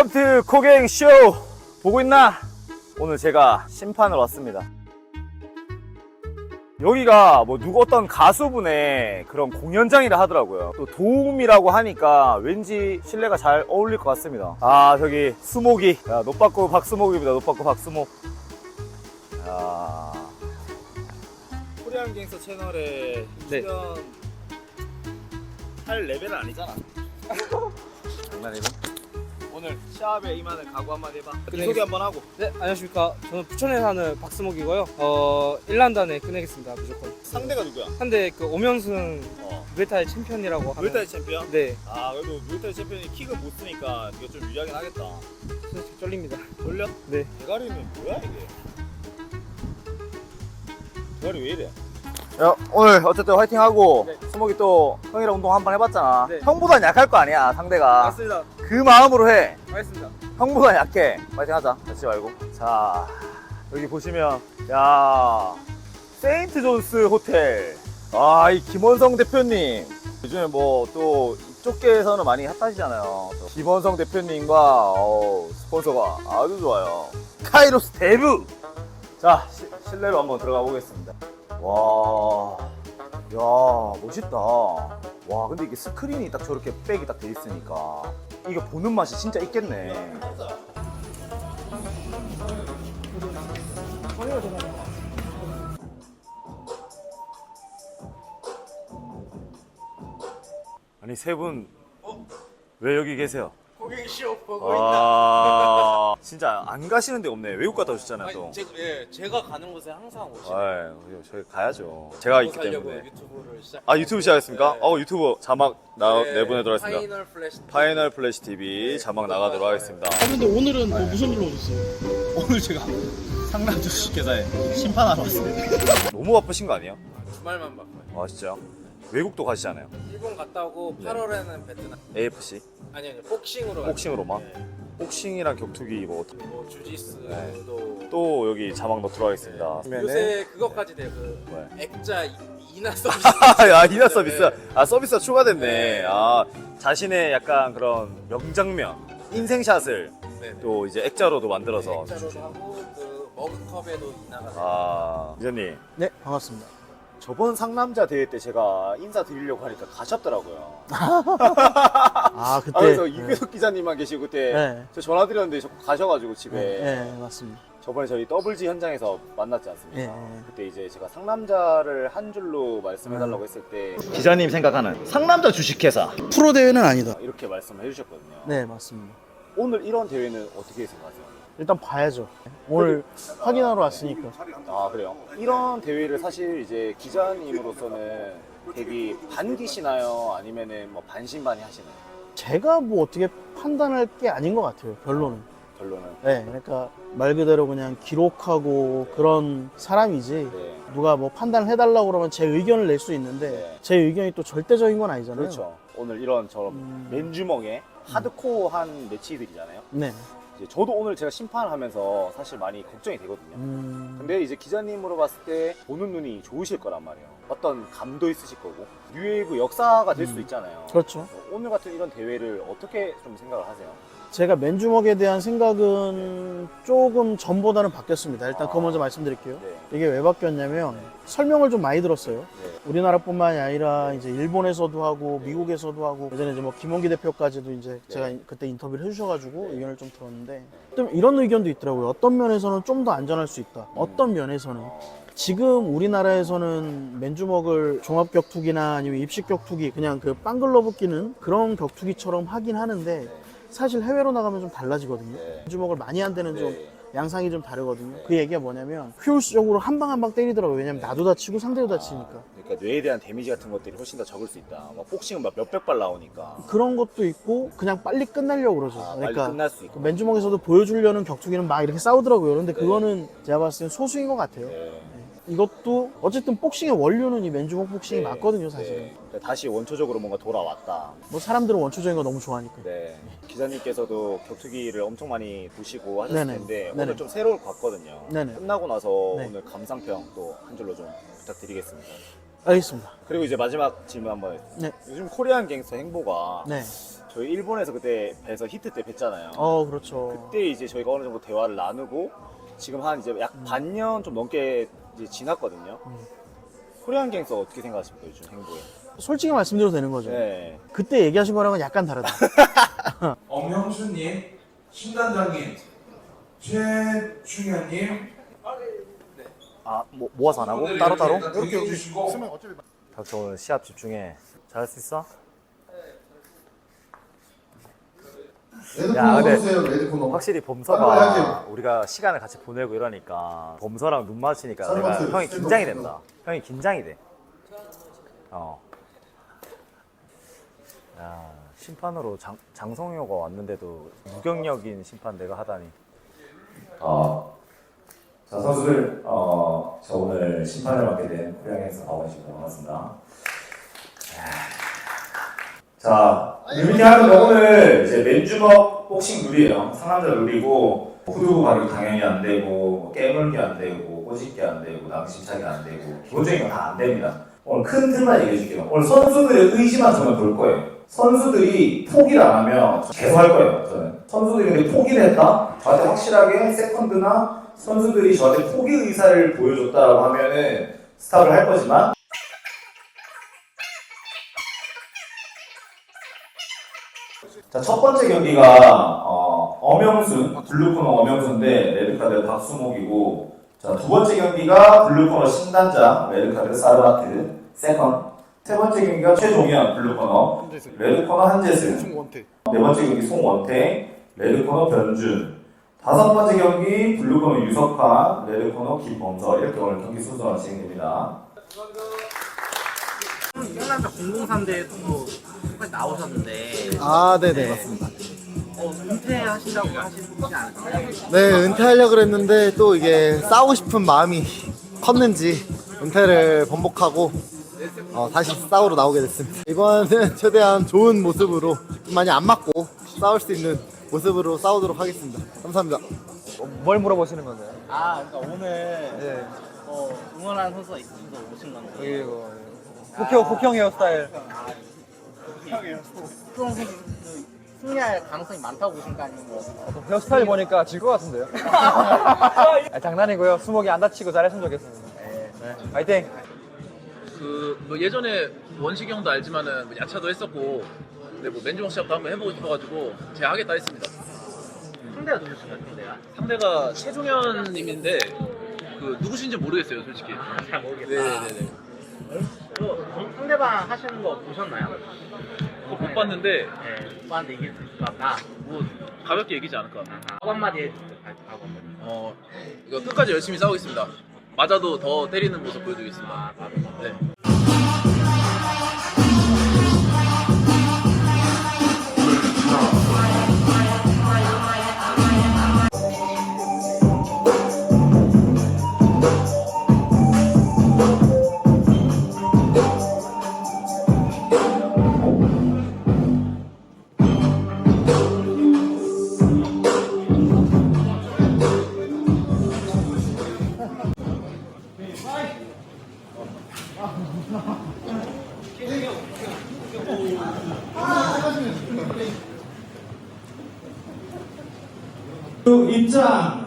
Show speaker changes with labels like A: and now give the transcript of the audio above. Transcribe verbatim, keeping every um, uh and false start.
A: 웰컴 투 코갱쇼! 보고 있나? 오늘 제가 심판을 왔습니다. 여기가 뭐 누구 어떤 가수분의 그런 공연장이라 하더라고요. 또 도움이라고 하니까 왠지 실내가 잘 어울릴 것 같습니다. 아, 저기 수목이. 야, 노빠꾸 박수목입니다. 노빠꾸 박수목. 야, 코리안 갱스터 채널에
B: 네.
A: 출연 할 레벨은 아니잖아. 장난이네. 오늘 시합에 임하는 각오 한마디 해봐.
B: 끝내겠-
A: 소개 한번 하고.
B: 네, 안녕하십니까. 저는 부천에 사는 박스목이고요. 어, 일 라운드안에 끝내겠습니다, 무조건.
A: 상대가 누구야?
B: 한데 그 오명승
A: 어.
B: 무에타이 챔피언이라고 하는.
A: 무에타이 챔피언?
B: 네,
A: 아, 그래도 무에타이 챔피언이 킥은 못 쓰니까 이거 좀 유리하긴 하겠다.
B: 솔직히 쫄립니다.
A: 돌려?
B: 네.
A: 대가리는 뭐야 이게? 대가리 왜 이래? 야, 오늘 어쨌든 화이팅 하고.
B: 네.
A: 수목이 또 형이랑 운동 한번 해봤잖아.
B: 네.
A: 형보단 약할 거 아니야, 상대가.
B: 맞습니다.
A: 그 마음으로 해.
B: 알겠습니다.
A: 형보다 약해. 파이팅 하자. 다치지 말고. 자, 여기 보시면, 야, 세인트 존스 호텔. 아, 이 김원성 대표님. 요즘에 뭐 또 이쪽계에서는 많이 핫하시잖아요. 김원성 대표님과 어, 스폰서가 아주 좋아요. 카이로스 대부. 자, 시, 실내로 한번 들어가 보겠습니다. 와, 야, 멋있다. 와, 근데 이게 스크린이 딱 저렇게 백이 딱 돼 있으니까 이거 보는 맛이 진짜 있겠네. 아니, 세 분 왜 여기 계세요?
C: 고객쇼 보고
A: 아, 진짜 안 가시는 데 없네. 외국 갔다 오셨잖아요, 또.
C: 있나? 제, 예, 제가 가는 곳에 항상 오시는
A: 아, 저희 가야죠. 제가 있기
C: 살려고
A: 때문에.
C: 유튜브를 시작.
A: 아, 유튜브 시작했습니까?
C: 네.
A: 어, 유튜브 자막 나,
C: 네,
A: 내보내도록 하겠습니다.
C: 파이널 플래시.
A: 파이널 플래시 티비 자막 나가도록 하겠습니다.
D: 아 근데 오늘은 뭐 무슨 일로 오셨어요?
A: 오늘 제가 상남 주식회사에 심판하러 왔습니다. 너무 바쁘신 거 아니에요?
C: 주말만 바빠요.
A: 아, 진짜요? 외국도 가시잖아요.
C: 일본 갔다 오고
A: 네.
C: 팔월에는 베트남.
A: 에이에프씨?
C: 아니 아니 복싱으로. 가요.
A: 복싱으로만?
C: 네.
A: 복싱이랑 격투기 뭐 어떻게-
C: 뭐 주짓수도.
A: 네. 또 여기 자막 넣도록 하겠습니다.
C: 요새 그것까지 돼요. 그
A: 뭐야?
C: 액자 이- 이나 서비스.
A: 아, 이나 서비스.
C: 네.
A: 아, 서비스가 추가됐네.
C: 네.
A: 아, 자신의 약간 그런 명장면, 인생샷을
C: 네네.
A: 또 이제 액자로도 만들어서.
C: 액자로도 하고 그 머그컵에도 이나가. 돼요.
A: 아, 기자님.
D: 네 반갑습니다.
A: 저번 상남자 대회 때 제가 인사드리려고 하니까 가셨더라고요.
D: 아 그때
A: 아, 그래서
D: 네.
A: 이규석 기자님만 계시고 그때
D: 네.
A: 저 전화 드렸는데 자꾸 가셔가지고 집에.
D: 네, 네 맞습니다.
A: 저번에 저희 더블지 현장에서 만났지 않습니까?
D: 네, 네.
A: 그때 이제 제가 상남자를 한 줄로 말씀해달라고 했을 때 기자님 생각하는 상남자 주식회사
D: 프로 대회는 아니다.
A: 이렇게 말씀을 해주셨거든요.
D: 네 맞습니다.
A: 오늘 이런 대회는 어떻게 생각하세요?
D: 일단 봐야죠. 오늘 확인하러 왔으니까.
A: 아, 그래요? 이런 대회를 사실 이제 기자님으로서는 되게 반기시나요? 아니면은 뭐 반신반의 하시나요?
D: 제가 뭐 어떻게 판단할 게 아닌 것 같아요. 결론은.
A: 결론은.
D: 네 그러니까 말 그대로 그냥 기록하고 그런 사람이지.
A: 네.
D: 누가 뭐 판단을 해달라고 그러면 제 의견을 낼 수 있는데
A: 네.
D: 제 의견이 또 절대적인 건 아니잖아요.
A: 그렇죠. 오늘 이런 저
D: 음.
A: 맨주먹의 하드코어한 매치들이잖아요.
D: 네.
A: 이제 저도 오늘 제가 심판을 하면서 사실 많이 걱정이 되거든요.
D: 음...
A: 근데 이제 기자님으로 봤을 때 보는 눈이 좋으실 거란 말이에요. 어떤 감도 있으실 거고 뉴웨이브 역사가 될 수도 있잖아요.
D: 그렇죠.
A: 오늘 같은 이런 대회를 어떻게 좀 생각을 하세요?
D: 제가 맨주먹에 대한 생각은 조금 전보다는 바뀌었습니다. 일단 그거 먼저 말씀드릴게요.
A: 네.
D: 이게 왜 바뀌었냐면 설명을 좀 많이 들었어요.
A: 네.
D: 우리나라뿐만이 아니라 이제 일본에서도 하고 미국에서도 하고 예전에 이제 뭐 김원기 대표까지도 이제 제가 그때 인터뷰를 해주셔가지고
A: 네.
D: 의견을 좀 들었는데 좀 이런 의견도 있더라고요. 어떤 면에서는 좀 더 안전할 수 있다. 어떤 면에서는 지금 우리나라에서는 맨주먹을 종합격투기나 아니면 입식격투기 그냥 그 빵글러브 끼는 그런 격투기처럼 하긴 하는데 사실 해외로 나가면 좀 달라지거든요.
A: 네.
D: 맨주먹을 많이 한 데는 좀
A: 네.
D: 양상이 좀 다르거든요. 그 얘기가 뭐냐면 효율적으로 한 방 한 방 때리더라고요. 왜냐면 나도 다치고 상대도 다치니까.
A: 그러니까 뇌에 대한 데미지 같은 것들이 훨씬 더 적을 수 있다. 막 복싱은 막 몇백 발 나오니까.
D: 그런 것도 있고 그냥 빨리 끝내려고 그러죠.
A: 아, 빨리
D: 그러니까
A: 끝날 수 있고.
D: 그 맨주먹에서도 보여주려는 격투기는 막 이렇게 싸우더라고요. 그런데
A: 네.
D: 그거는 제가 봤을 땐 소수인 것 같아요.
A: 네.
D: 이것도 어쨌든 복싱의 원료는 이 맨주먹 복싱이
A: 네.
D: 맞거든요, 사실은.
A: 네. 그러니까 다시 원초적으로 뭔가 돌아왔다.
D: 뭐 사람들은 원초적인 거 너무 좋아하니까.
A: 네. 기자님께서도 격투기를 엄청 많이 보시고 하셨을
D: 네네.
A: 텐데
D: 네네.
A: 오늘 좀 새로울 것 같거든요.
D: 네네.
A: 끝나고 나서
D: 네.
A: 오늘 감상평 또 한 줄로 좀 부탁드리겠습니다.
D: 알겠습니다.
A: 그리고 이제 마지막 질문 한번.
D: 네.
A: 요즘 코리안 갱스터 행보가
D: 네.
A: 저희 일본에서 그때 뵈서 히트 때 뵀잖아요.
D: 어, 그렇죠.
A: 그때 이제 저희가 어느 정도 대화를 나누고 지금 한 이제 약 반년 좀 넘게 이제 지났거든요.
D: 음.
A: 코리안 갱서 어떻게 생각하십니까 요즘 행보에?
D: 솔직히 말씀드려도 되는 거죠.
A: 네.
D: 그때 얘기하신 거랑은 약간 다르다.
E: 엄형수님, 신단장님, 최충현님,
A: 아, 뭐, 모아서 안 하고?
E: 오늘
A: 따로따로?
E: 일단 대기해주시고
A: 닥쳐 오늘 시합 집중해. 잘할 수 있어? 야, 근데 확실히 범서가 우리가 시간을 같이 보내고 이러니까 범서랑 눈 마주치니까 내가 형이 긴장이 된다. 형이 긴장이 돼. 어. 야, 심판으로 장, 장성효가 왔는데도 무경력인 심판 내가 하다니.
F: 어, 자, 선수들, 어, 저 오늘 심판을 맡게 된 코리안에서 박원식 반갑습니다. 자, 이렇게 하면 오늘 이제 맨주먹 복싱 룰이에요. 상남자 룰이고, 후두부 발이 당연히 안 되고, 깨물기 안 되고, 꼬집기 안 되고, 낭심차기 안 되고, 기본적인 건 다 안 됩니다. 오늘 큰 틀만 얘기해 줄게요. 오늘 선수들의 의지만 저는 볼 거예요. 선수들이 포기를 안 하면 계속 할 거예요, 저는. 선수들이 근데 포기를 했다? 저한테 확실하게 세컨드나 선수들이 저한테 포기 의사를 보여줬다라고 하면은 스탑을 할 거지만 자, 첫 번째 경기가 어, 엄영순, 블루코너 엄영순 대 레드카드 박수목이고 자, 두 번째 경기가 블루코너 신단장, 레드카드 사르바트 세컨 세 번째 경기가 최종현, 블루코너 레드코너 한재승 네 번째 경기 송원태, 레드코너 변준 다섯 번째 경기 블루코너 유석환, 레드코너 김범서 이렇게 오늘 경기 순서가 진행됩니다.
G: 일란다 공공삼 대회 또 끝까지 나오셨는데
H: 아, 네네, 맞습니다.
G: 어, 은퇴하신다고 하시지 않을까요?
H: 네, 은퇴하려고 그랬는데 또 이게 싸우고 싶은 마음이 컸는지 은퇴를 번복하고 어, 다시 싸우러 나오게 됐습니다. 이번은 최대한 좋은 모습으로 좀 많이 안 맞고 싸울 수 있는 모습으로 싸우도록 하겠습니다. 감사합니다.
B: 뭘 물어보시는 건가요?
G: 아, 그러니까 오늘 어, 응원하는 선수가 있어서 오신 건가요?
B: 이거 국형 국형 헤어스타일.
G: 수성 선수 승리할 가능성이 많다고 보신가 아니면 뭐?
B: 헤어스타일 보니까 질 것 같은데요? 아, 장난이고요. 수목이 안 다치고 잘했으면 좋겠습니다. 네. 파이팅!
I: 그뭐 예전에 원식이 형도 알지만은 뭐 야차도 했었고 근데 뭐 맨주먹 시합도 한번 해보고 싶어가지고 제가 하겠다 했습니다.
G: 상대가 누구신가요, 상대가?
I: 상대가 최종현님인데 그 누구신지 모르겠어요 솔직히.
G: 잘 모르겠다.
I: 네네네.
G: 어, 상대방 하시는 거 보셨나요?
I: 그거 못 봤는데
G: 네, 오빠한테 이길 수 있을 것 같다.
I: 뭐 가볍게 이기지 않을까.
G: 한 한마디 해주세요, 각오 한마디.
I: 어 이거 끝까지 열심히 싸우겠습니다. 맞아도 더 때리는 모습 보여주겠습니다.
G: 아, 맞아.
I: 네.
E: 입장